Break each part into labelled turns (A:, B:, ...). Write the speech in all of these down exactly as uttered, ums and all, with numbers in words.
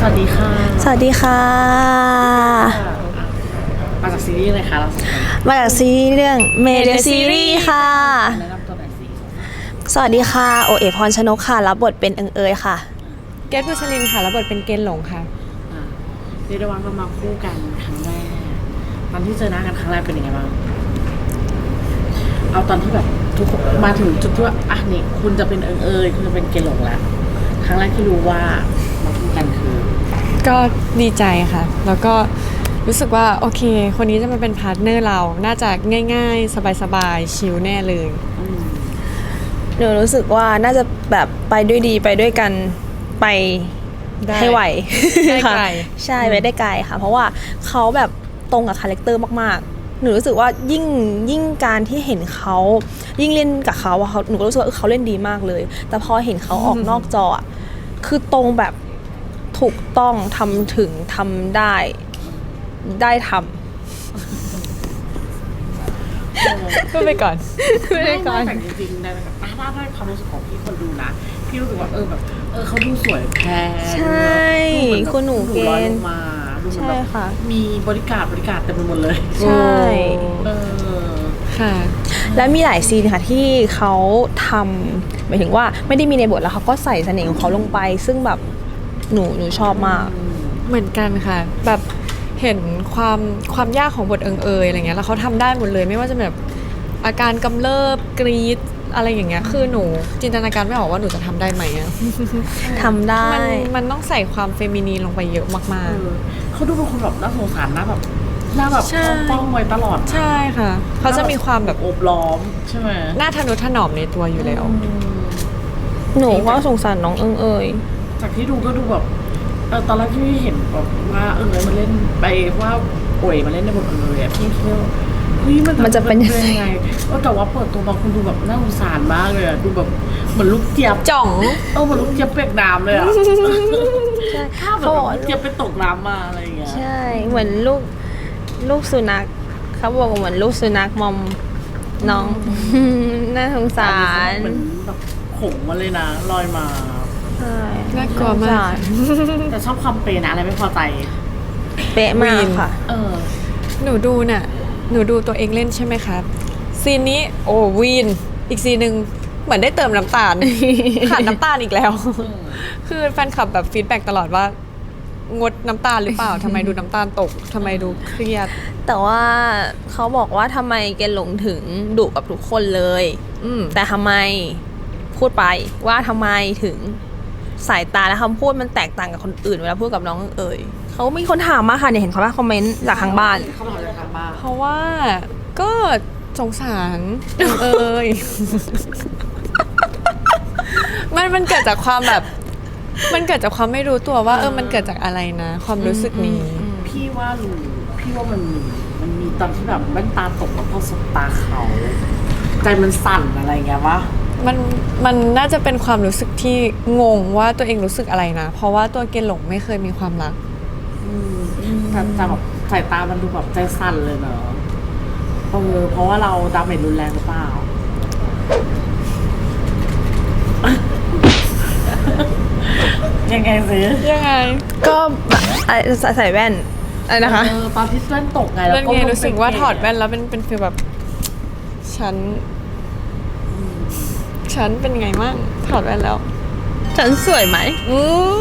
A: วัสดีค่ะ
B: สวัสดีค่ะ
A: มาจากซีรีส์อะไรคะเราสองคน
B: มาจากซีรีส์เรื่องเมเดซีรีส์ค่ะ
A: แนะนำตัวหน่อยสิ
B: สวัสดีค่ะโอเอพรชนกค่ะรับบทเป็นเอิงเอยค่ะ
C: เกตบุษลินค่ะรับบทเป็นเกณฑ์หลงค่ะ
A: อ่าเรียกได้ว่าเรามาคู่กันครั้งแรกตอนที่เจอหน้ากันครั้งแรกเป็นยังไงบ้างเอาตอนที่แบบทุกคนมาถึงจุดที่ว่าอ่ะนี่คุณจะเป็นเอิงเอยคุณจะเป็นเกณฑ์หลงแล้วครั้งแรกที่รู้ว่ามาคู่กันคือ
C: ก็ดีใจค่ะ แล้วก็รู้สึกว่าโอเคคนนี้จะมาเป็นพาร์ทเนอร์เราน่าจะง่ายๆ สบายๆชิลแน่เลย
B: หนูรู้สึกว่าน่าจะแบบไปด้วยดีไปด้วยกันไปให้ไหว
C: ได้ไกล
B: ใช่ไปได้ไกลค่ะเพราะว่าเขาแบบตรงกับคาแรคเตอร์มากๆหนูรู้สึกว่ายิ่งยิ่งการที่เห็นเขายิ่งเล่นกับเขาเขาหนูก็รู้สึกว่าเขาเล่นดีมากเลยแต่พอเห็นเขาออกนอกจอคือตรงแบบถูกต้องทำถึงทำได้ได้ทำ
C: พูดไปก่อนพูดไปก่อน
A: แต่จริงๆในแบบถ้าได้ความรู้สึกของพี่คนดูนะพี่รู้สึกว่าเออแบบเออเขาดูสวยแพง
B: ใช่คุณหนูเกณฑ์
A: มาดูเหมือน
B: ใช่
A: แบบ
B: ค่ะ
A: มีบริการบริการเต็มไปหมดเลย
B: ใช่
A: เออ
C: ค่ะ
B: และมีหลายซีนค่ะที่เขาทำหมายถึงว่าไม่ได้มีในบทแล้วเขาก็ใส่เสน่ห์ของเขาลงไปซึ่งแบบหนูหนูชอบมาก
C: เหมือนกันค่ะแบบเห็นความความยากของบทเอิงเอยอะไรเงี้ยแล้วเขาทำได้หมดเลยไม่ว่าจะแบบอาการกำเริบกรีดอะไรอย่างเงี้ยคือหนูจินตนาการไม่ออกว่าหนูจะทำได้ไหมอะ
B: ทำได้
C: มันมันต้องใส่ความเฟมินีนลงไปเยอะมาก
A: ๆเขาดูเป็นคนแบบน่าสงสารนะแบบหน้าแบบป้องไว้ตลอด
C: ใช่ค่ะเขาจะมีความแบบ
A: อบล้อมใช่ไหม
C: หน้าทะนุถนอมในตัวอยู่แล้ว
B: หนูก็สงสารน้องเอิงเอย
A: จากที่ดูก็ดูแบบเออตอนแรกที่เห็นแบบว่าเออมาเล่นไปว่าป่วยมาเล่นในบทเออพี่คิดว่าเฮ้ยมัน
B: มันจะเป็นยังไง
A: แต่ว่าเปิดตัวมาคุณดูแบบน่าสงสารมากเลยอะดูแบบเหมือนลูกเจี๊ยบ
C: จ่อง
A: เออเหมือนลูกเจี๊ยบเปียกน้ำเลยอะ
B: ใช่
A: ข้าวแบบลูกเจี๊ยบไปตกน้ำมาอะไรอย่างเงี้ย
B: ใช่เหมือนลูกลูกสุนัขเขาบอกเหมือนลูกสุนัขมอมน้องน่าสงสาร
A: เหมือนแบบขงมาเลยนะลอยมา
B: ใช่
C: น่ากลัวมาก
A: แต่ชอบความเปย์นะอะไรไม่พอใจ
B: เป๊ะมากค่ะ
A: เออ
C: หนูดูน่ะหนูดูตัวเองเล่นใช่ไหมครับซีนนี้โอ้วีนอีกซีนหนึ่งเหมือนได้เติมน้ำตาลขาดน้ำตาลอีกแล้วคือแฟนคลับแบบฟีดแบ็กตลอดว่างดน้ำตาลหรือเปล่าทำไมดูน้ำตาลตกทำไมดูเครียด
B: แต่ว่าเขาบอกว่าทำไมแกหลงถึงดุกับทุกคนเลยแต่ทำไมพูดไปว่าทำไมถึงสายตาและคำพูดมันแตกต่างกับคนอื่นเวลาพูดกับน้องเอ๋ยเขามีคนถามมาค่ะเนี่ยเห็นเขาว่าคอมเมนต์จากทางบ้าน
A: เขาบอกจากทางบ้าน
C: เพราะว่าก็สงสารเอ๋ยมันมันเกิดจากความแบบมันเกิดจากความไม่รู้ตัวว่าเออมันเกิดจากอะไรนะความรู้สึกนี้
A: พี่ว่ารู้พี่ว่ามันมีมันมีตอนที่แบบแว่นตาตกแล้วพอสบตาเขาใจมันสั่นอะไรเงี้ยวะ
C: มันมันน่าจะเป็นความรู้สึกที่งงว่าตัวเองรู้สึกอะไรนะเพราะว่าตัวเกณฑ์หลงไม่เคยมีความรัก
A: แต่แต่แบบสายตามันดูแบบใจสั่นเลยเนอะเออเพราะว่าเราดาเมจรุนแรงหรือเปล่ายังไงสิ
C: ยังไง
B: ก็ใส่แว่นอะไรนะคะ
A: ตอนที่แว่นตกไง
C: แล้วก็รู้สึกว่าถอดแว่นแล้วเป็นเป็นฟีลแบบฉันฉันเป็นไงมั่งถอดแว่นแล้ว
B: ฉันสวยไหมอื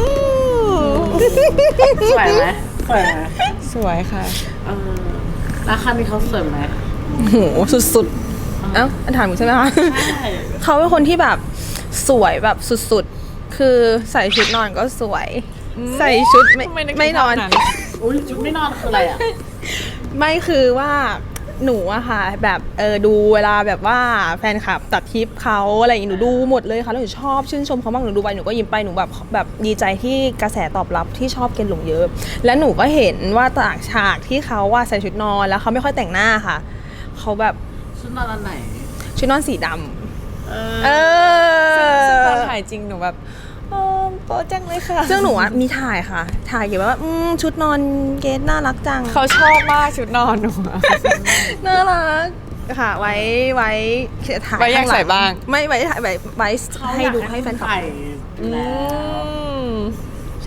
A: สวยไหมสวยไหม
C: สวยค่ะ
A: เออแล้วคันนี้เขาสวยไหม
B: โหสุดๆเอ้าถามหนูใช่ไหมคะใช่เขาเป็นคนที่แบบสวยแบบสุดๆคือใส่ชุดนอนก็สวยใส่ชุดไม่ไม่นอน
A: อุ้ยชุดไม่นอนคืออะไรอ่ะ
B: ไม่คือว่าหนูอะค่ะแบบเออดูเวลาแบบว่าแฟนคลับตัดคลิปเขาอะไรอย่างนี้หนูดูหมดเลยค่ะแล้วหนูชอบชื่นชมเขามากหนูดูไปหนูก็ยิ้มไปหนูแบบแบบดีใจที่กระแสตอบรับที่ชอบเกณฑ์หลงเยอะแล้วหนูก็เห็นว่าต่างฉากที่เขาว่าใส่ชุดนอนแล้วเขาไม่ค่อยแต่งหน้าค่ะเขาแบบ
A: ชุดนอนอันไหน
B: ชุดนอนสีดำเอ
C: อตอนถ่ายจริงหนูแบบโป๊จังเลยค่ะ
B: ซึ่งหนูอะมีถ่ายค่ะถ่ายเกี่ยวกับว่าชุดนอนเกสน่ารักจัง
C: เขาชอบมากชุดนอนหนู
B: น่ารักค่ะไว้ไว้
C: ถ่ายไว้ยังใส่บ้าง
B: ไม่ไว้ถ่ายไว้ไว้ให้ดูให้แฟนคลับ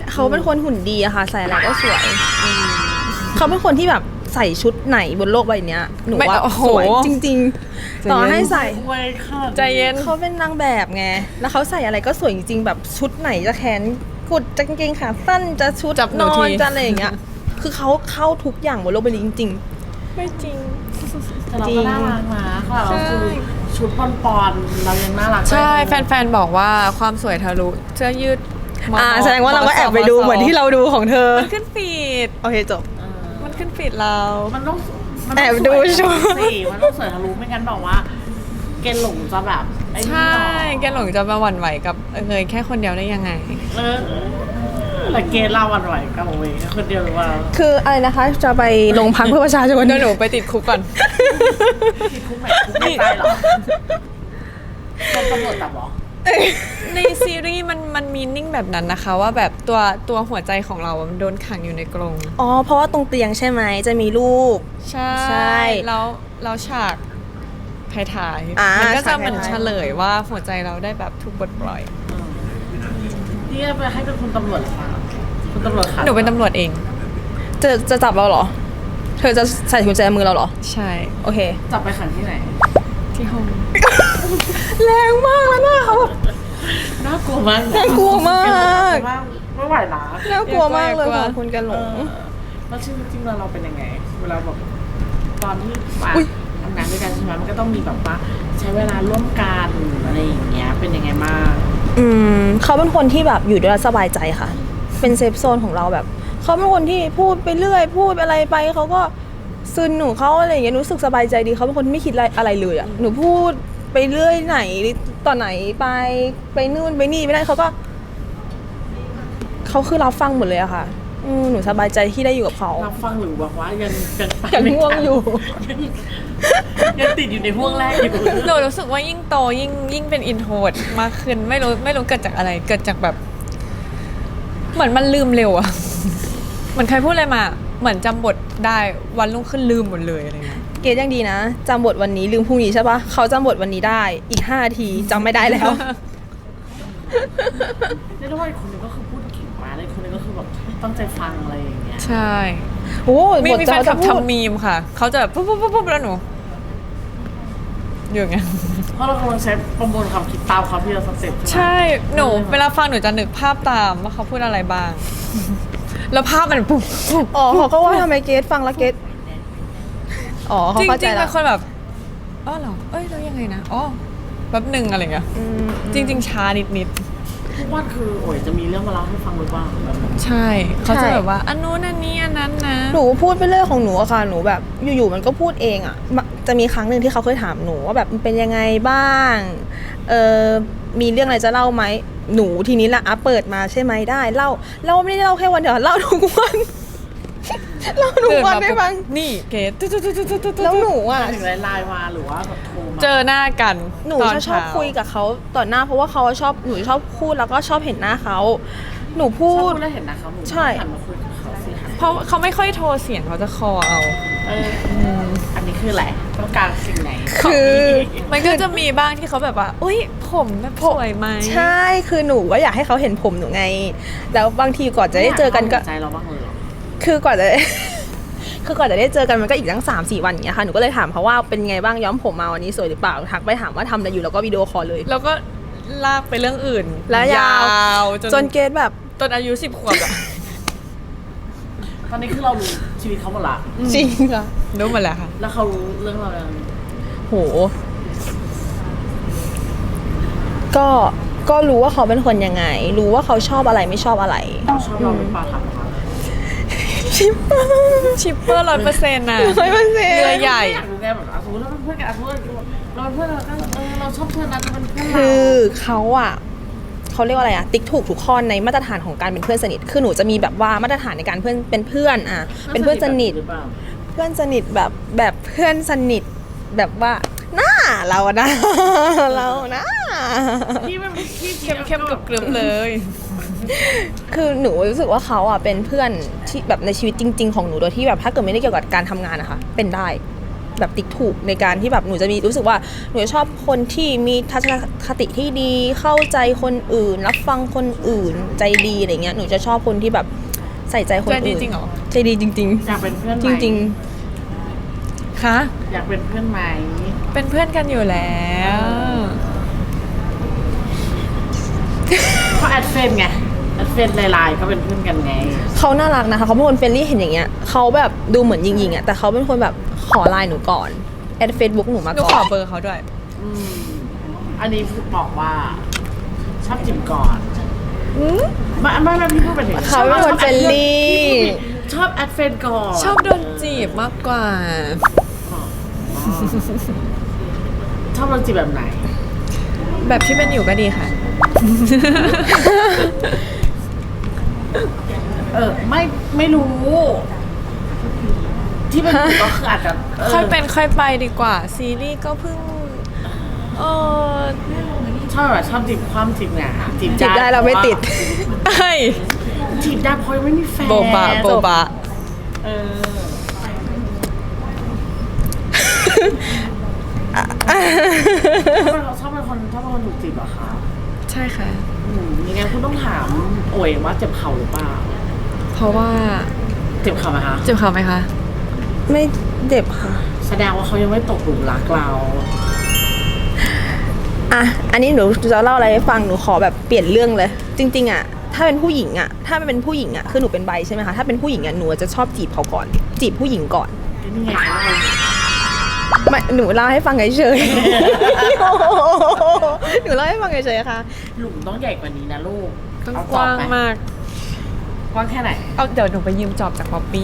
B: เขาเป็นคนหุ่นดีอะค่ะ ใส่อะไรก็สวย เขาเป็นคนที่แบบใส่ชุดไหนบนโลกใบเนี้ยหนู
C: ไม่
B: ว่า
C: โอ้โห
B: สวยจริง ๆ ต่อให้ใส่
A: ไว้ค่ะ
C: ใจเย็น
B: เขาเป็นนางแบบไง แล้วเขาใส่อะไรก็สวยจริงๆ แบบชุดไหนจะแขนกุดจะกางเกงขาสั้นจะชุด
C: จับหนู
B: นอ
C: ที
B: นจะอะไรอย่างเงี้ย คือเขาเข้าทุกอย่างบนโลกใบนี้จริง
C: ไม่จริง
A: แต่เราก็น่ารักนะค่ะเราคือชุดปอนปอนๆเรายังน่ารัก
C: ใช่
A: ได้
C: แฟนๆ บอกว่าความสวยทะลุเสื้อยืด
B: ๆ
C: ม
B: อ่าแสดงว่าเราก็แอบไปดูเหมือนที่เราดูของเธอ
C: มันขึ้นฟีด
B: โอเคจบ
A: เออ
C: มันขึ้นฟีดเรา
A: มันต้องมัน
B: แอบ
A: ต้อง
B: ดู
A: สวย
B: ชุด
A: สิมันต้องสวยทะลุไม่งั้นบอกว่า เกณฑ์หลงจะแบบไอ้นี่
C: ใช่
A: ต่อ
C: แกหลงจะมาหวั่นไหวกับเงยแค่คนเดียวได้ยังไง
A: เออแต่เกณฑ์เราวันไหวกับโอเวคนเดียวหรือว่า
B: คืออะไรนะคะ จะไปลงพักเพื่อประชาชน
C: เดี๋ยวหนูไปติดคุกก่อน
A: ที่คุกไหนคุกไม่ใจเหรอคนตำรวจจับเหรอ
C: ในซีรีส์มันมันมีนิ่งแบบนั้นนะคะ ว่าแบบตัวตัวหัวใจของเราอะมันโดนขังอยู่ในกรง
B: อ๋อ เพราะว่าตรงเตียงใช่ไหม จะมีรูป
C: ใช่
B: ใช่
C: แล้วแล้วฉากท้าย
B: อ่า
C: ๆมันก็จะ
B: ฉาก
C: เหมือน
B: ท้ายๆ
C: เฉลยว่าหัวใจเราได้แบบถูกปลดปล่อย
A: นี่ไปให้เป็นคุณตำรวจเหรอคะคุณตำรวจค่ะ
C: หนูเป็นตำรวจเอง
B: จะจะจับเราเหรอ เธอจะใส่กุญแจมือเราเหรอ
C: ใช่
B: โอเค
A: จับไปขังที่ไหน
C: ที่ห้อง
B: แรงมากแล้วหน้าเขาแบบ
A: น่ากลัวมาก
B: น่ากลัวมาก
A: ไม่ไหวนะ
B: น่ากลัวมากเลยค่ะคุณกันหล
A: เอง อแล้วชีวิตจริงเราเราเป็นยังไง เวลาแบบตอนที่มา
B: อุ๊ย
A: ทำงานด้วยกันใช่ไหมมันก็ต้องมีแบบว่าใช้เวลาร่วมกันอะไรอย่างเงี้ยเป็นยังไงบ้าง
B: อืมเขาเป็นคนที่แบบอยู่ด้วยแล้วสบายใจค่ะ เป็นเซฟโซนของเราแบบ เขาเป็นคนที่พูดไปเรื่อย พูดอะไรไปเขาก็ซึนหนูเขาอะไรอย่างเงี้ยรู้สึกสบายใจดีเขาเป็นคนที่ไม่คิดอะไรอะไรเลยอ่ะหนูพูดไปเรื่อยไหนตอนไหนไปไปนู่นไปนี่ไม่ได้เขาก็เขาคือรับฟังหมดเลยอะค่ะอืมหนูสบายใจที่ได้อยู่กับเขา
A: เราฟังหรือบอกว่ายังยังไป
B: ยังง่วงอยู่
A: ยังยังติดอยู่ในห่วงแรกอยู่
C: หนูรู้สึกว่ายิ่งโตยิ่งยิ่งเป็นอินโทรดมากขึ้นไม่รู้ไม่รู้เกิดจากอะไร เกิดจากแบบ เหมือนมันลืมเร็วอะ เหมือนใครพูดอะไรมา เหมือนจำบทได้วันรุ่งขึ้นลืมหมดเลยอะไรเงี้ย
B: เกดยังดีนะจำบทวันนี้ลืมพรุ่งนี้ใช่ปะเขาจำบทวันนี้ได้อีกห้านาทีจำไม่ได้แล้ว
A: เรียกได้ว่าอีกคนนึงก็คือพูดเก่งมากเลยคนนึงก็คือแบบตั้งใจฟังอะไรอย่างเงี้ย
C: ใช่
B: โอ้
C: มี
B: บท
C: มี
B: จะ
C: แฟนคลับ
B: จะพูด
C: ทำมีมค่ะ เขาจะแบบปุ๊บปุ๊บปุ๊บปุ๊บแล้วหนูอยู่อย่างเงี้ย
A: เพราะเรากำลังใช้ประมวลความคิดตามความที่เราสเต็ป
C: ใช่ หนูเวลาฟังหนูจะนึกภาพตามว่าเขาพูดอะไรบ้าง แล้วภาพมันปุ๊บปุ๊บ
B: อ๋อเขาก็ว่าทำไมเกดฟังแล้วเกดอ๋อเขา
C: จริง
B: เข้า
C: จ
B: ใจ
C: ริงๆ
B: แล้
C: เป็
B: วน
C: คนแบบอ๋อเหรอเอ้ยแล้วยังไงนะอ๋อแป๊บหนึ่งอะไรเงี้ย
B: อืม
C: จริง ๆ ช้านิดนิด
A: ทุกวันคือโอ้ยจะมีเรื่องมาเล่าให้ฟังหรือเปล่าแบบนั้น
C: ๆใช่เขาจะแบบว่าอันนู้นอันนี้อันนั้นนะ
B: หนูพูดไปเรื่อยของหนูอะค่ะหนูแบบอยู่ๆมันก็พูดเองอะมะจะมีครั้งหนึ่งที่เขาเคยถามหนูว่าแบบมันเป็นยังไงบ้างเออมีเรื่องอะไรจะเล่าไหมหนูทีนี้ละอ่ะเปิดมาใช่ไหมได้เล่าเล่าไม่ได้เล่าแค่วันเดียวเล่าทุกวัน เล่าทุกวันได้ฟัง
C: นี่เกตตุ๊ดตุ๊ดตุ๊ดตุ๊ดตุ๊ด
B: แล้วหนูอะ
A: ถึงไลน์มาหรือว่าแบบโทรมา
C: เจอหน้ากัน
B: หนู
C: ตอน
B: จะชอบ
C: เช้า
B: คุยกับเขาต่อหน้าเพราะว่าเขาชอบหนูชอบพูดแล้วก็ชอบเห็นหน้าเขาหนูพู
A: ชอบ
B: ด
A: พูดแล้วเห็นนะครับหนู
B: ใช่
A: หันมาคุยกับเขาสิค่ะ
C: เพราะเขาไม่ค่อยโทรเสียงเขาจะคอเอา
A: เอออันนี้คืออะไรต้องการสิ่งไหน
B: คือ
C: มันก็จะมีบ้างที่เขาแบบว่า อุ้ยผมแบบสวยไหม
B: ใช่คือหนูว่าอยากให้เขาเห็นผมหนูไง แล้วบางทีก่อนจะได้เจอกันก็
A: ใจเราบ้างเลยเหรอ
B: คือกว่าจะ คือก่อนจะได้เจอกันมันก็อีกตั้งสามสี่วันอย่างเงี้ยค่ะหนูก็เลยถามเขาว่าเป็นไงบ้างย้อมผมมาวันนี้สวยหรือเปล่าทักไปถามว่าทำอะไรอยู่แล้วก็วิดีโอคอลเลย
C: แล้วก็ลากไปเรื่องอื่น
B: แล้วยาว
C: จน
B: จนเกดแบบ
C: จนอายุสิบขวบอะ
A: ตอนนี้คือเรารู้ชีวิตเขาหมดละ
B: จริงค่ะ
C: รู้หมดแล้วค่ะ
A: แล้วเขารู้เรื่องเรายัง
B: โห ก็ก็รู้ว่าเขาเป็นคนยังไง รู้ว่าเขาชอบอะไรไม่ชอบอะไร
A: ชอบเราหรือเปล่าถามเขา
B: ชิปเปอร์
C: ชิปเปอร์ร้อยเปอร์เซ็นต์น่ะ
B: ร้อยเปอร์เซ็นต์
C: เรือใหญ่
A: อยากรู้ไงแบบอ่ะสมมติเราเป็นเพื่อนกันอ่ะสมมติเราเป็นเพื่อนเราก็เออเราชอบเธอนะจะเป็นเพื่อนเรา
B: คือเขาอะเขาเรียกว่าอะไรอะติ๊กถูกทุกข้อในมาตรฐานของการเป็นเพื่อนสนิทคือหนูจะมีแบบว่ามาตรฐานในการเพื่อนเป็นเพื่อนอะเป็นเพื่อนสนิท
A: หรือเปล่า
B: เพื่อนสนิทแบบแบบเพื่อนสนิทแบบว่าหน้าเราอะนะ เรานะ
A: พี่มันพี่
C: เข้มเข้มกับกรึบเลย
B: คือหนูรู้สึกว่าเขาอะเป็นเพื่อนที่แบบในชีวิตจริง ๆ ของหนูโดยที่แบบถ้าเกิดไม่ได้เกี่ยวกับการทำงานนะคะเป็นได้แบบติ๊กถูกในการที่แบบหนูจะมีรู้สึกว่าหนูจะชอบคนที่มีทัศนคติที่ดีเข้าใจคนอื่น รับฟังคนอื่นใจดีอะไรเงี้ยหนูจะชอบคนที่แบบใส่ใจคนอื่น
C: ใจดีจริงเหรอ
B: ใจดีจริง
A: อยากเป็นเพื่อน
B: ๆ
A: ไห
B: จ
A: ม
B: ริง
C: คะ
A: อยากเป็นเพื่อนไหม
C: เป็นเพื่อนกันอยู่แล้ว
A: เพราะแอดเฟนไงแอดเฟนไลน์ก็เป็นเพื่อนกันไง
B: ๆเขาน่ารักนะคะเขาเป็นคนเฟรนลี่เห็นอย่างเงี้ยเขาแบบดูเหมือนยิงๆอ่ะแต่เขาเป็นคนแบบขอไลน์หนูก่อนแอดเฟซบุ๊กหนูมา
C: หนู
B: ก่
C: ข
B: อ
C: อน เบอร์เขาด้วย
A: อืมอันนี้บอกว่า ชอบจิมก่อนไม่ไม่ไม่พี่พูดไปถึง
B: เขาเป็นคนเฟรนลี่
A: ชอบแอดเฟนก่อน
C: ชอบโดนจีบมากกว่า
A: ชอบโดนจีบแบบไหน
C: แบบที่เป็นอยู่ก็ดีค่ะ
A: เออไม่ไม่รู้ ที่เป็นอยู่ก็คืออาจจะออ
C: ค่อยเป็นค่อยไปดีกว่า ซีรีส์ก็เพิ่งเออ
A: ชอบแบบชอบจีบความจีบไงจีบ
B: จีบได้เราไม่ติด
C: เฮ้ย
A: จีบได้เพราะยังไม่มีแฟน
C: โบบะโบบะ
A: เออชอบเป็นคนชอบเป็นคนถูกจีบเหรอคะ
C: ใช่ค่ะ
A: อืมยังไงคุณต้องถามโอ๋ยว่าเจ็บเข่าหรือเปล่า
C: เพราะว่า
A: เจ็บเข่าไหมคะ
C: เจ็บเขาไหมคะ
B: ไม่เจ็บค่ะ
A: แสดงว่าเขายังไม่ตกหลุมรักเรา
B: อ่ะ อันนี้หนูจะเล่าอะไรให้ฟัง หนูขอแบบเปลี่ยนเรื่องเลย จริงๆอ่ะ ถ้าเป็นผู้หญิงอ่ะ ถ้าเป็นผู้หญิงอ่ะ คือหนูเป็นใบใช่ไหมคะ ถ้าเป็นผู้หญิงอ่ะ หนูจะชอบจีบเขาก่อน จีบผู้หญิงก่อน
A: นี่ไงเขาเลย
B: ไม่ หนูเล่าให้ฟังเฉยๆ หนูเล่าให้ฟังเฉยๆค่ะ
A: หลุมต้องใหญ่กว่านี้นะลูก
C: ต้อง
A: เอก
C: ว้าง
A: จอบไห
C: มาก
A: กว้างแค่ไหน
C: เอาเดี๋ยวหนูไปยืมจอบจากป๊อปปี้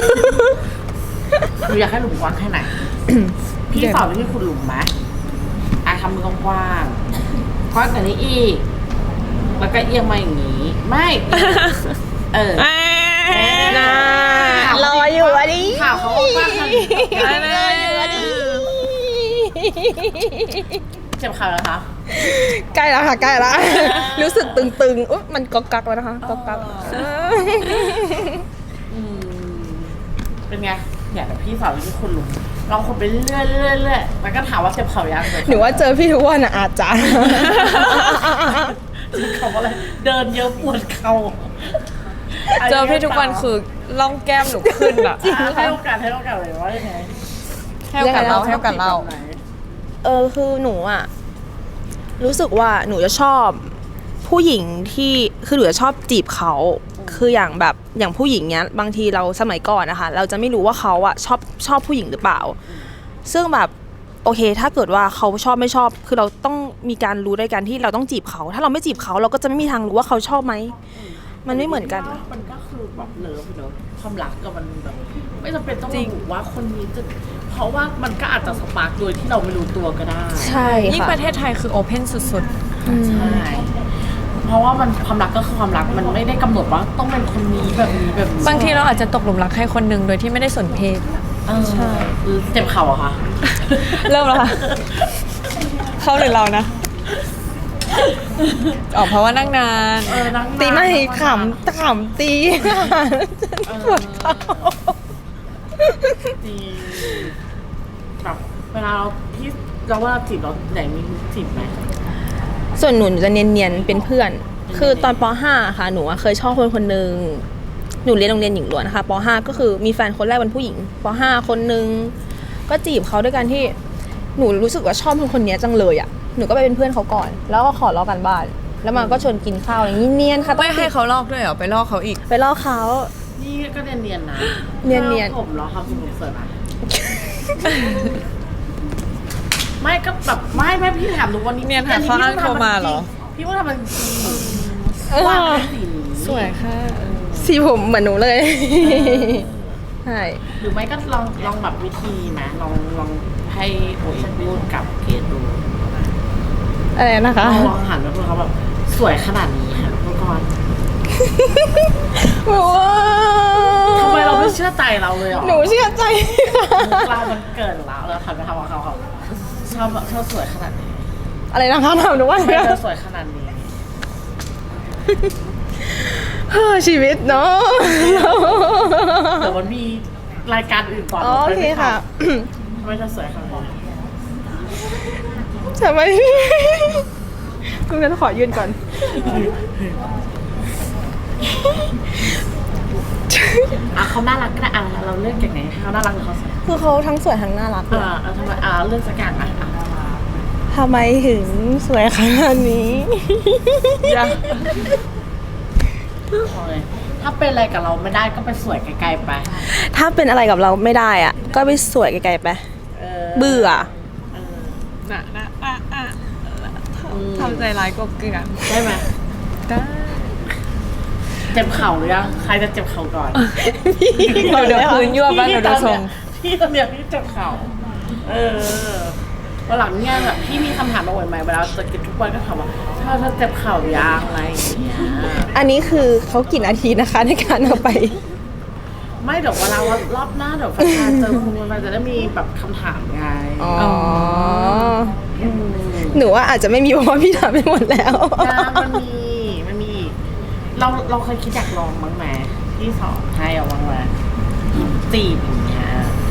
A: หนูอยากให้หลุมกว้างแค่ไหน พี่สอนวิธีขุดหลุมไหมอ่ะทำมือกว้างๆกว้างกว่านี้อีก แล้วก็เอียงมาอย่างนี้ ไม่ เออ
B: น่า รออยู่อันนี้
A: ข่าวเขาว่ากว้างขนาดนี้
B: รออยู่อันนี้
A: เจ็บเข่าแล้วคะ
B: ใกล้แล้วค่ะ ใกล้แล้ว รู้สึกตึงๆ อุ๊ยมันก๊อกกักแล้วนะคะก๊อกกัก
A: อืมเป็นไงเนี่ยแต่พี่สาววิธีขุดหลุมลองขุดไปเรื่อยๆเรื่อยๆเรื่อยๆแล้วก็ถามว่าเจ็บเข่ายัง
B: หนูว่าเจอพี่ทุกวันอะอาจจะ
A: เจ็บเข่าอะไร เดินเยอะปวดเข่า
C: เจอพี่ทุกวันคือล่องแก้มหนูขึ้นอะ
B: จริง
A: ให้โอกาสให้โอกาสเลยว่ายังไง
C: ให้โอกาสเราให้โอกาสเรา
A: แบบไหน
B: เออคือหนูอะรู้สึกว่าหนูจะชอบผู้หญิงที่คือหนูจะชอบจีบเขาคืออย่างแบบอย่างผู้หญิงเนี้ยบางทีเราสมัยก่อนนะคะเราจะไม่รู้ว่าเขาอะชอบชอบผู้หญิงหรือเปล่า ซึ่งแบบโอเค ถ้าเกิดว่าเขาชอบไม่ชอบ คือเราต้องมีการรู้ด้วยกันที่เราต้องจีบเขา ถ้าเราไม่จีบเขาเราก็จะไม่มีทางรู้ว่าเขาชอบไหมมันไม่เหมือนกัน
A: มันก็คือแบบเลิฟเนอะความรักกับมันแบบไม่จำเป็นต้อง
C: จริ
A: ระ
C: ง
A: บุว่าคนนี้จะเพราะว่ามันก็อาจจะสปาร์กโดยที่เราไม่รู้ตัวก็ได้
B: ใช่
C: ยิ่ง
B: ค่ะ
C: ประเทศไทยคือโอเพนสุด
A: ใช่เพราะว่ามันความรักก็คือความรักมันไม่ได้กำหนดว่าต้องเป็นคนนี้แบบนี้แบบนี้
C: ๆ บางทีเราอาจจะตกหลุมรักใครคนหนึ่งโดยที่ไม่ได้สนเพศ
A: เออใช่เจ็บเข่าอะค่ะ
C: เริ่มแล้วค่ะ เขาหรือเรานะ ออกเพราะว่านั่งนาน
A: เออนั่ง
B: ตีไม่
A: นาน
B: ขำขำตี ปวดเข่า
A: จริงแบบเวลาเราพี่เราว่าเราจีบเราไหนมีจีบไหม
B: ส่วนหนูจะเนียนๆเป็นเพื่อน คือตอนป .ห้า ค่ะ หนูอะเคยชอบคนคนหนึ่งหนูเรียนโรงเรียนหญิงล้วนนะคะป .ห้า ก็คือมีแฟนคนแรกเป็นผู้หญิงป .ห้า คนหนึ่งก็จีบเขาด้วยกันที่หนูรู้สึกว่าชอบคนคนนี้จังเลยอ่ะ หนูก็ไปเป็นเพื่อนเขาก่อน แล้วก็ขอลอกกันบ้าน แล้วมันก็ชวนกินข้าวอย่างนี้เนียนค่ะ
C: ไม่ให้เขาลอกด้วยเหรอ ไปลอกเขาอีก
B: ไปลอกเขา
A: นี่ก็เนียนๆนะ
B: เนียนๆ
A: ถ้าผมเหรอทำสนุกเสริมอะไม่ก็แบบไม่ไม่พี่ถามดูวันนี้
C: เนียนหาข้ออ้างโทรมาเหรอ
A: พี่ว่าทำมันจริง
B: เออ
A: ว่าเป็นสีนี้
C: สวยค่ะ
B: สีผมเหมือนหนูเลยใช่
A: หรือไม่ก็ลองลองแบบวิธีไหมลองลองให้โอ๋ยพูดกับเกดดู
B: อะไรนะคะ
A: ลองลองหันไปพูดเขาแบบสวยขนาดนี้ค่ะทุกคน
B: ว้า
A: ทำไมเราไม่เชื่อใจเราเลยหรอ
B: หนูเชื่อใจ
A: เรามันเกินแล้วเราทำไปทำกับเขาเขาชอบชอบสวยขนาดนี้
B: อะไรนะคะถามหนูว่า
A: ทำไมเธอสวยขนาดนี้
B: เฮ้อชีวิตเนาะ
A: เดี๋ยวมันมีรายการอื่นก่อน
B: อ๋อโอเคค่ะ
A: ไทำไมเธอสวยขนาดนี้
B: ทำไม คุณงั้นขอยืนก่อน
A: อ่ะเขาน่ารักก็ได้อ่ะเราเลือกจากไหนเขาน่ารักหรือเขาสวย
B: คือเขาทั้งสวยทั้งน่ารักเลย
A: อ่าเอาทำไมอ่าเลือกสักอย่างอ่ะอ่ะ
B: ทำไมถึงสวยขนาดนี้
A: อย่าโอ้ยถ้าเป็นอะไรกับเราไม่ได้ก็ไปสวยไกลๆไป
B: ถ้าเป็นอะไรกับเราไม่ได้อ่ะ ก็ไปสวยไกลๆไป
A: เออ
B: เบื่อ
A: เออ
C: นะนะอ่ะอ่ะ
A: อืม
C: ทำใจร้ายกบเกลือน
A: ได้ไหม
C: ได้
A: เจ็บเข่าหรือยังใครจะเจ็บเข่าก่อน
C: เราเดี๋ยวพื้นยั่วบ้านเราดูทรง
A: พี่ตอนเนี้ยพี่เจ็บเข่าเออวันหลังเนี่ยแบบพี่มีคำถามมาบ่อยไหมเวลาจะกินทุกวันก็ถามว่าถ้าถ้าเจ็บเข่ายางอะไรอย่างเงี้ย
B: อันนี้คือเขากี่นาทีนะคะในการเอาไป
A: ไม่เดี๋ยวเวลารอบหน้าเดี๋ยวแฟนๆเจอคุณมันจะได้มีแบบคำถามไง
B: อ๋อ
A: ม
B: หนูว่าอาจจะไม่มีเพราะว่าพี่ทำไปหมดแล้ว
A: ยางมันมีมันมีอีกเราเราเคยคิดอยากลองบ้างไหมพี่สอนให้เอาบ้างไหมจีบอย่างเงี้ย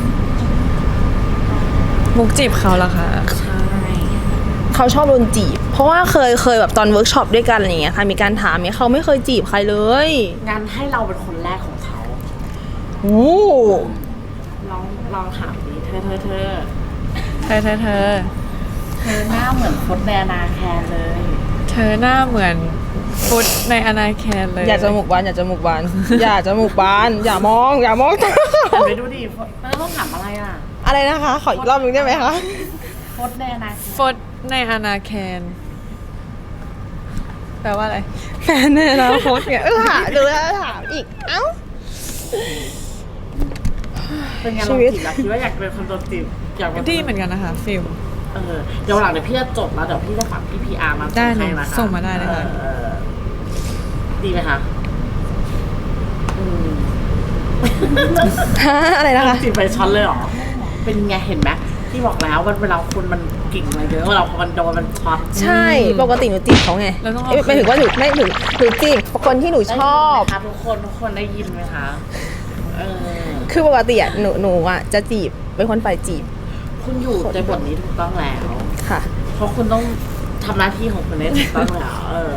C: มุกจีบเขาเหรอคะ
A: ใช่
B: เขาชอบโดนจีบ เพราะว่าเคยเคยแบบตอนเวิร์กช็อปด้วยกันอะไรอย่างเงี้ยค่ะ มีการถามเนี่ยเขาไม่เคยจีบใครเลย
A: งานให้เราเป็นคนแรกของเขา
B: โอ้
A: ลองลองถามดิเธอเธอเธอ
C: เธอเธอเธอ
A: เธอหน้าเหมือนฟดแดนาแคนเลย
C: เธอหน้าเหมือนฟุตในอนาแคนเลย
B: อย่าจมูกบานอย่าจมูกบาน อย่าจมูกบาน อย่ามอง อย่ามองตา
A: หันไปดูดิฟดแล้วต้องถามอะไรอ่ะ
B: อะไรนะคะ ขออีกรอบหนึงได้ไหมคะ
A: ฟดแดนาแคน
C: ฟุตในอนาแคน แปลว่าอะไร
B: แฟนในอนาคตเนี่ยเออถามดูแล้วถามอีก เอ้า
A: เป็นไง
B: ชี
A: ลอง
B: วิต
A: จีบแล้วคิดว่าอยากเป็นคนโดนจีบอยากเป็น
C: ดีเหมือนกันนะคะฟิล
A: เออเดี๋ยววันหลังเดี๋ยวพี่จะจดแล้วเดี๋ยวพี่จะฝากพี่พีอาร์มา
C: ได้เลย
A: ให้นะคะ
C: ส่งมาได้เลยค่ะ
A: ออดีไหมคะอืม
B: ฮะอะไรนะคะ
A: จีบไปช็อตเลยเหรอ เป็นไงเห็นไหมที่บอกแล้วว่าเวลาคนมันกิ่งอะไรเยอะเวลาพอมันโดนมันช็อต
B: ใช่ ปกติหนูจีบเขาไง
C: แล้วต้องเอา
B: เอ้ยหมายถึงว่าหนูไม่หนูหนูจีบคนที่หนูชอบ
A: ได้ยินไหมคะทุกคนทุกคนได้ยินไหมคะเออ
B: คือปกติอ่ะหนูหนูอ่ะจะจีบเป็นคนฝ่ายจีบ
A: คุณอยู่ในบทนี้ถูกต้องแล้ว
B: ค่ะ
A: เพราะคุณต้องทำหน้าที่ของคุณได้ถูกต้องแล้วเออ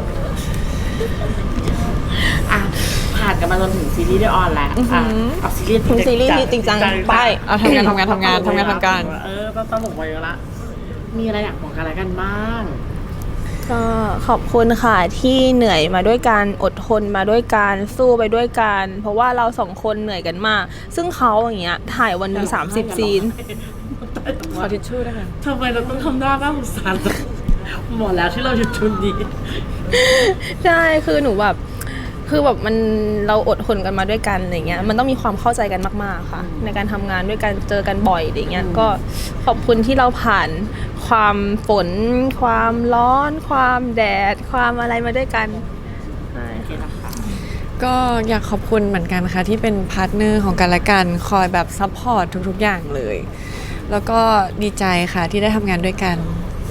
A: อ่ะผ่านกันมาจนถึงซีรีส์ได้ออนแล้วอ่ะเอาซีรีส์
B: ถึงซีรีส์ที่จริงจังไป
C: เอาทำงานทำงานทำงานทำงานทำการ
A: เออต้องตลกไปเยอะละมีอะไรอยากบอกกันอะไรกันบ้าง
B: ก็ขอบคุณค่ะที่เหนื่อยมาด้วยกันอดทนมาด้วยกันสู้ไปด้วยกันเพราะว่าเราสองคนเหนื่อยกันมาก ซึ่งเขาอย่างเงี้ยถ่ายวันหนึ่งสามสิบซีน
C: ขอทิชชู่ด้วยค่ะ
A: ทำไมเราต้องทำหน้าหน้าสงสารจังหมดแล้วที่เราหยุดชุนดี
B: ใช่คือหนูแบบคือแบบมันเราอดทนกันมาด้วยกันอะไรเงี้ยมันต้องมีความเข้าใจกันมากๆค่ะ ในการทำงานด้วยกันเจอกันบ่อยอะไรเงี้ยก็ขอบคุณที่เราผ่านความฝน ความร้อน ความแดด ความอะไรมาด้วยกันใช่
A: โอเคนะคะ
C: ก็อยากขอบคุณเหมือนกันค่ะที่เป็นพาร์ทเนอร์ของกันและกันคอยแบบซัพพอร์ตทุกๆอย่างเลย แล้วก็ดีใจค่ะที่ได้ทำงานด้วยกัน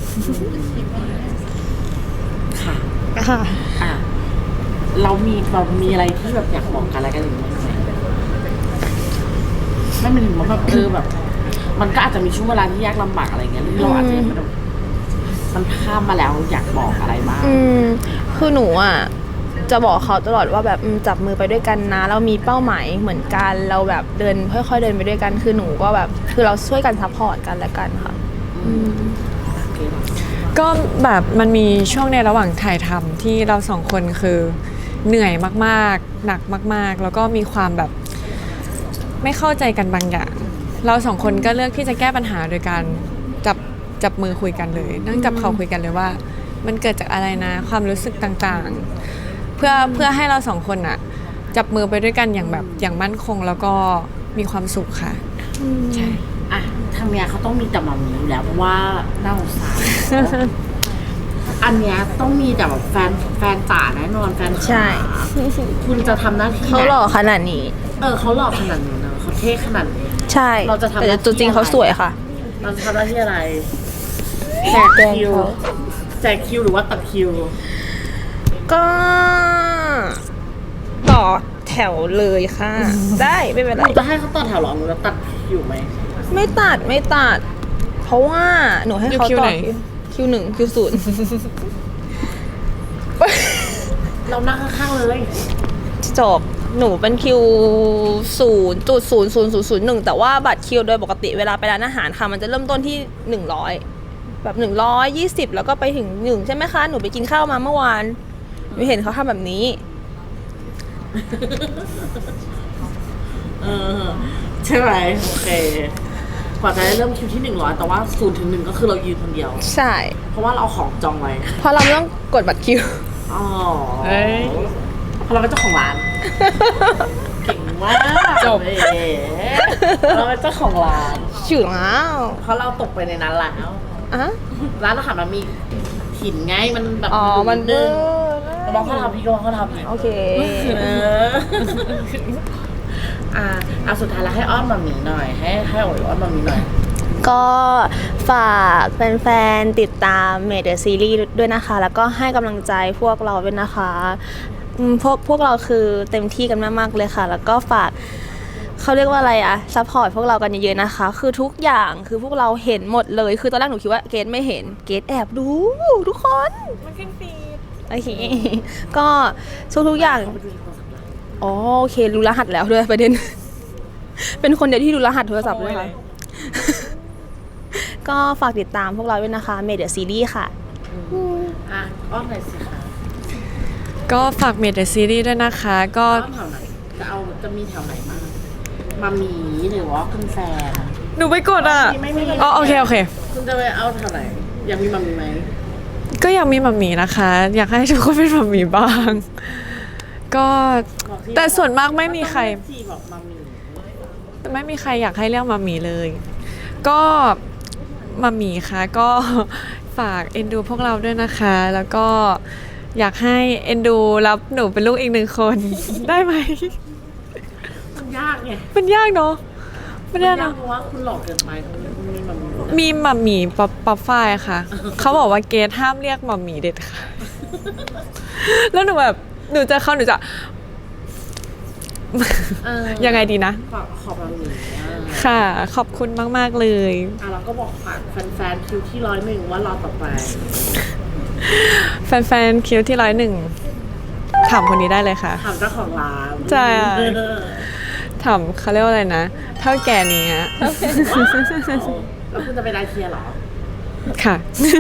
A: ค่ะ
B: ค่ะ
A: อ่ะเรามีเรามีอะไรที่แบบอยากบอกกันอะไรกันอย่างนี้ไหมไม่เป็นถึงว่าแบบเออแบบ มันก็อาจจะมีช่วงเวลาที่ยากลำบากอะไรเงี้ยที่เราอาจจะยังไม่ได้มันข้ามมาแล้วอยากบอกอะไรบ้าง
B: อืมคือหนูอ่ะจะบอกเขาตลอดว่าแบบอืมจับมือไปด้วยกันนะเรามีเป้าหมายเหมือนกันเราแบบเดินค่อยๆเดินไปด้วยกันคือหนูก็แบบคือเราช่วยกันซัพพอร์ตกันและกันค่ะ
A: โอเคเนอะ
C: ก็แบบมันมีช่วงในระหว่างถ่ายทำที่เราสองคนคือเหนื่อยมากๆ หนักมากๆ แล้วก็มีความแบบไม่เข้าใจกันบางอย่าง เราสองคนก็เลือกที่จะแก้ปัญหาโดยการจับจับมือคุยกันเลย นั่งจับเขาคุยกันเลยว่า มันเกิดจากอะไรนะ ความรู้สึกต่างๆ เพื่อเพื่อให้เราสองคนอะจับมือไปด้วยกันอย่างแบบอย่างมั่นคงแล้วก็มีความสุขค่ะใช่
A: อ่ะทางเนี้ยเขาต้องมีแต่แบบนี้อยู่แล้วเพราะว่าน่าสงสาร อันเนี้ยต้องมีแต่แบบแฟนแฟนจ๋าแน่นอนแฟนจ๋า
B: ใช่
A: คุณจะทำหน้าที่
B: เขาหล่อขนาดนี้
A: เออเขาหล่อขนาดนี้เนอะเขาเท่ขนาดนี้
B: ใช่
A: เราจะทำ
B: แต่ตัวจริงเขาสวยค่ะ
A: เราจะทำหน้าที่อะไรแจกคิวแจกคิวหรือว่าตัดคิว
B: ก็ต่อแถวเลยค่ะ ได้ไม่เป็นไร
A: หนูจะให้เขาต่อแถวเหรอหนูจะตัดคิวไหม
B: ไม่ตัดไม่ตัด เพราะว่าหนูให้เขา
C: อยู่คิว
B: ต่อ
C: ไหน
B: คิวหนึ่งคิวศูนย์
A: เรานั่งข้างๆเลย
B: จบหนูเป็นคิวศูนย์จุดศูนย์ศูนย์ศูนย์ศูนย์หนึ่งแต่ว่าบัตรคิวโดยปกติเวลาไปร้านอาหารค่ะ มันจะเริ่มต้นที่หนึ่งร้อยแบบหนึ่งร้อยยี่สิบแล้วก็ไปถึงหนึ่งใช่ไหมคะ หนูไปกินข้าวมาเมื่อวานหนูเห็นเขาทำแบบนี้
A: เออใช่ไหมโอเคกว่าจะได้เริ่มคิวที่หนึ่งร้อยแต่ว่าศูนย์ถึงหนึ่งก็คือเรายืนคนเดียว
B: ใช่
A: เพราะว่าเราเอาของจองไว้
B: เพราะเราไม่ต้องกดบัตรคิว
A: อ๋อ
C: เอ้ย
A: เพราะเราเป็นเจ้าของร้าน เก่งมาก
C: จบ
A: เอ๋เราเป็นเจ้าของร้าน
B: ชื่อแล้ว
A: เพราะเราตกไปในนั้นแล้ว
B: อ่ะ
A: ร้านอาหารมันมีหินไงมันแบบ
B: อ๋อมัน
A: นึ
B: เบ
A: ง
B: อร์
A: มองเขาทำพี่ก็มองเขาทำพี่
B: โอเค
A: เอออ่าเอาสุดท้ายแล้วให้อ้อนมามีหน่อย ให้ให้โอ๋ยอ้อนมามีหน่อย
B: ก็ฝากแฟนๆติดตามเมเดอร์ซีรีส์ด้วยนะคะ แล้วก็ให้กำลังใจพวกเราด้วยนะคะอืมพวกพวกเราคือเต็มที่กันมากๆเลยค่ะ แล้วก็ฝากเขาเรียกว่าอะไรอะซัพพอร์ตพวกเรากันเยอะๆนะคะ คือทุกอย่างคือพวกเราเห็นหมดเลย คือตอนแรกหนูคิดว่าเกดไม่เห็นเกดแอบดูทุกคน
C: มันขึ้นฟีด
B: โอเคก็ทุกทุกๆอย่างอ๋อโอเครู้รหัสแล้วด้วยประเด็น เป็นคนเดียวที่รู้รหัสโทรศัพท์ด้วยค่ะ ก็ฝากติดตามพวกเราด้วยนะคะเมเดอร์ซีรีส์ค่ะ
A: อ่ะอ้อนหน่อยสิคะ
C: ก็ฝากเมดซีรีส์ด้วยนะคะ ก็
A: อ้อนแถวไหนจะเอาจะมีแถวไหนบ้างมามีหรือว่าคุณแฟน
C: หนูไปกดอ่ะ
A: ไม่มี
C: อ๋อโอเคโอเค
A: คุณจะไปเอาแถวไหนอยากมีมามีไหม
C: ก็อยากมีหมัมหมี่นะคะ อยากให้ทุกคนเป็นหมัมหมี่บ้าง ก็
A: บอกสิ
C: แต่ส่วนมากไม่มีใคร
A: ที่บอกมามี
C: แต่ไม่มีใครอยากให้เรียกหมัมหมี่เลย ก็หมัมหมี่ค่ะก็ฝากเอ็นดูพวกเราด้วยนะคะ แล้วก็อยากให้เอ็นดูรับหนูเป็นลูกอีกหนึ่งคน ได้ไหม
A: มันยากไง
C: มันยากเนาะมัน
A: มัน
C: ยาก
A: ยาก
C: เนาะ
A: เพราะว่าคุณหลอกเกินไปคุณมีมามี
C: มีหมัมหมี่ป๊อปป๊อปฝ้ายค่ะ เขาบอกว่าเกรทห้ามเรียกหมัมหมี่เด็ดค่ะ แล้วหนูแบบหนูจะเข้าหนูจะ
A: เออ
C: ยังไงดีนะ
A: ขอขอบมามีอ่ะ
C: ค่ะ ขอบคุณมาก ๆ เลย
A: อ่ะเราก็บอกฝากแฟนๆคิวที่ร้อยหนึ่งว่ารอต่อไป
C: แฟนๆคิวที่ร้อยหนึ่งถามคนนี้ได้เลยค่ะ
A: ถามเจ้าของร้าน
C: ใช่
A: เออ
C: ถามเขาเรียกว่าอะไรนะ เท่าแก่นี้ฮะ
A: แล้วคุณจะไปไดเทียร์เหรอ
C: ค่ะ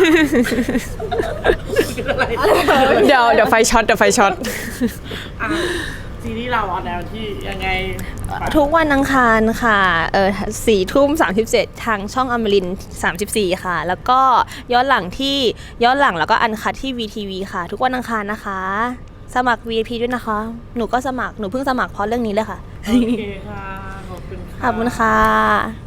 A: อะไร
C: เดี๋ยวเดี๋ยวไฟช็อตเดี๋ยวไฟช็อต
A: อ่ะซีรีส์เราออนแนวที่ยังไง
B: ทุกวันอังคารค่ะเออสี่ทุ่มสามสิบเจ็ดทางช่องอมรินสามสิบสี่ค่ะ แล้วก็ย้อนหลังที่ย้อนหลังแล้วก็อันคัดที่ วี ที วี ค่ะ ทุกวันอังคารนะคะ สมัคร วี ไอ พี ด้วยนะคะ หนูก็สมัครหนูเพิ่งสมัครเพราะเรื่องนี้เลยค่ะ
A: โอเคค่ะ ขอบคุณค่ะ
B: ขอบคุณค่ะ